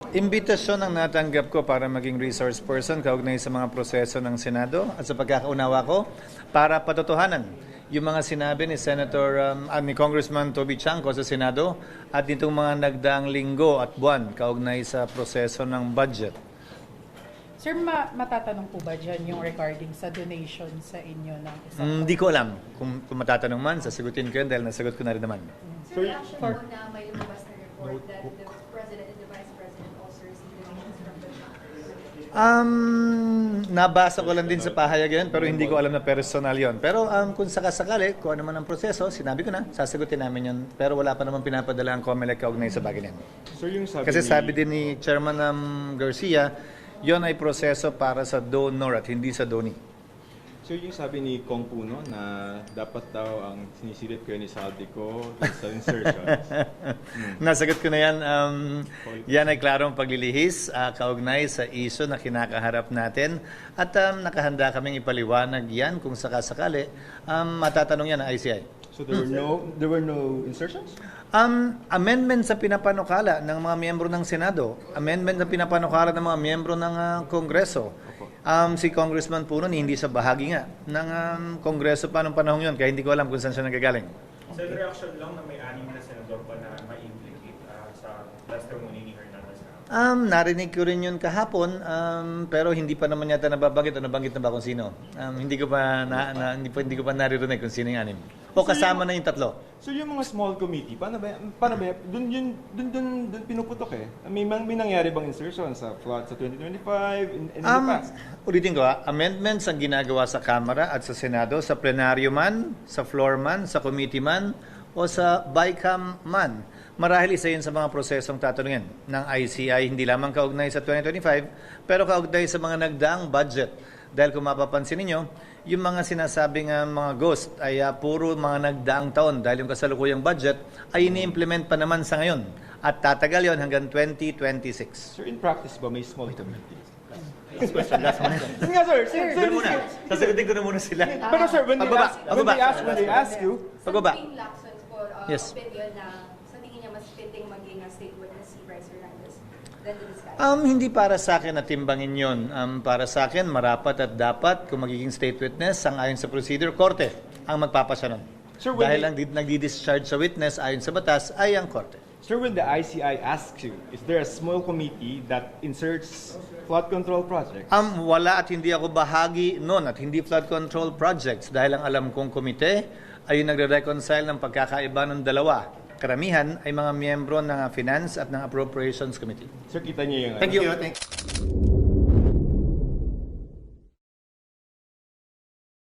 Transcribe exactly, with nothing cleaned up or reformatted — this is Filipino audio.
Imbitasyon ang natanggap ko para maging resource person kaugnay sa mga proseso ng Senado at sa pagkakaunawa ko para patotohanan yung mga sinabi ni Senator um, uh, ni Congressman Toby Chanco sa Senado at nitong mga nagdaang linggo at buwan kaugnay sa proseso ng budget. Sir, ma matatanong po ba dyan yung regarding sa donation sa inyo ng isang... Hindi mm, ko alam. Kung, kung matatanong man, sasagutin ko yun dahil nasagot ko na rin naman. Sir, reaction po na may lumabas na report that the President and the Vice President also received donations from the chapter? Um, nabasa ko lang din sa pahayag yun, pero hindi ko alam na personal yun. Pero um, kung sakasakali, kung ano man ang proseso, sinabi ko na, sasagutin namin yun. Pero wala pa naman pinapadala ang COMELEC kaugnay sa bagay niyan. Sir, yung sabi Kasi ni... sabi din ni Chairman um, Garcia, yon ay proseso para sa donor at hindi sa donee. So yung sabi ni Kong Puno na dapat daw ang sinisilip kayo ni Saldico sa insertions. hmm. Nasagot ko na yan. Um, yan ay klarong paglilihis, uh, kaugnay sa iso na kinakaharap natin. At um, nakahanda kaming ipaliwanag yan kung sakasakali. Um, matatanong yan ng I C I. So there were no there were no insertions? Um, amendment sa pinapanukala ng mga miyembro ng Senado, amendment sa pinapanukala ng mga miyembro ng uh, Kongreso. Um, si Congressman Puno hindi sa bahagi nga ng um, Kongreso pa nung panahon yun, kaya hindi ko alam kung saan siya nagagaling. Sa reaction lang na may anim na senador pa na ma-implicate uh, sa testimony ni Hernandez. Um, narinig ko rin yun kahapon, um, pero hindi pa naman yata nababanggit o nabanggit na ba kung sino. Um, hindi ko pa na, na, hindi pa hindi ko pa naririnig kung sino yung anim. O kasama na yung tatlo. So yung mga small committee, paano ba, paano ba, dun yun, dun, dun, dun pinuputok eh. May, may nangyari bang insertion sa flood sa twenty twenty-five, in, in Um, the past? ulitin ko ha, amendments ang ginagawa sa Kamara at sa Senado, sa plenaryo man, sa floor man, sa committee man, o sa BICAM man. Marahil isa yun sa mga prosesong tatanungin ng I C I, hindi lamang kaugnay sa twenty twenty-five, pero kaugnay sa mga nagdaang budget. Dahil kung mapapansin ninyo, yung mga sinasabing uh, mga ghost ay uh, puro mga nagdaang taon dahil yung kasalukuyang budget ay ini-implement pa naman sa ngayon. At tatagal yon hanggang twenty twenty-six. Sir, in practice ba may small committees? Last question, last one. Sige nga, sir. Sir, sir, Doon muna. Sasagutin ko na muna sila. Pero sir, when they Pagbaba, ask, when pagbaba. they ask, when they ask you, Pagbaba. Sa Lacson po, uh, Yes. opinion na sa tingin niya mas fitting maging a state witness si Bryce Hernandez than the disguise. Um, hindi para sa akin na timbangin yun. Um, para sa akin, marapat at dapat kung magiging state witness, ang ayon sa procedure, korte ang magpapasya nun. Sir, when Dahil they- ang di- nagdi-discharge sa witness ayon sa batas ay ang korte. sir, when the I C I asks you, is there a small committee that inserts flood control projects? Um, wala at hindi ako bahagi nun at hindi flood control projects dahil ang alam kong komite ay nagre-reconcile ng pagkakaiba ng dalawa. Karamihan ay mga miyembro ng Finance at ng Appropriations Committee. Sir, kita niyo yung... Thank you.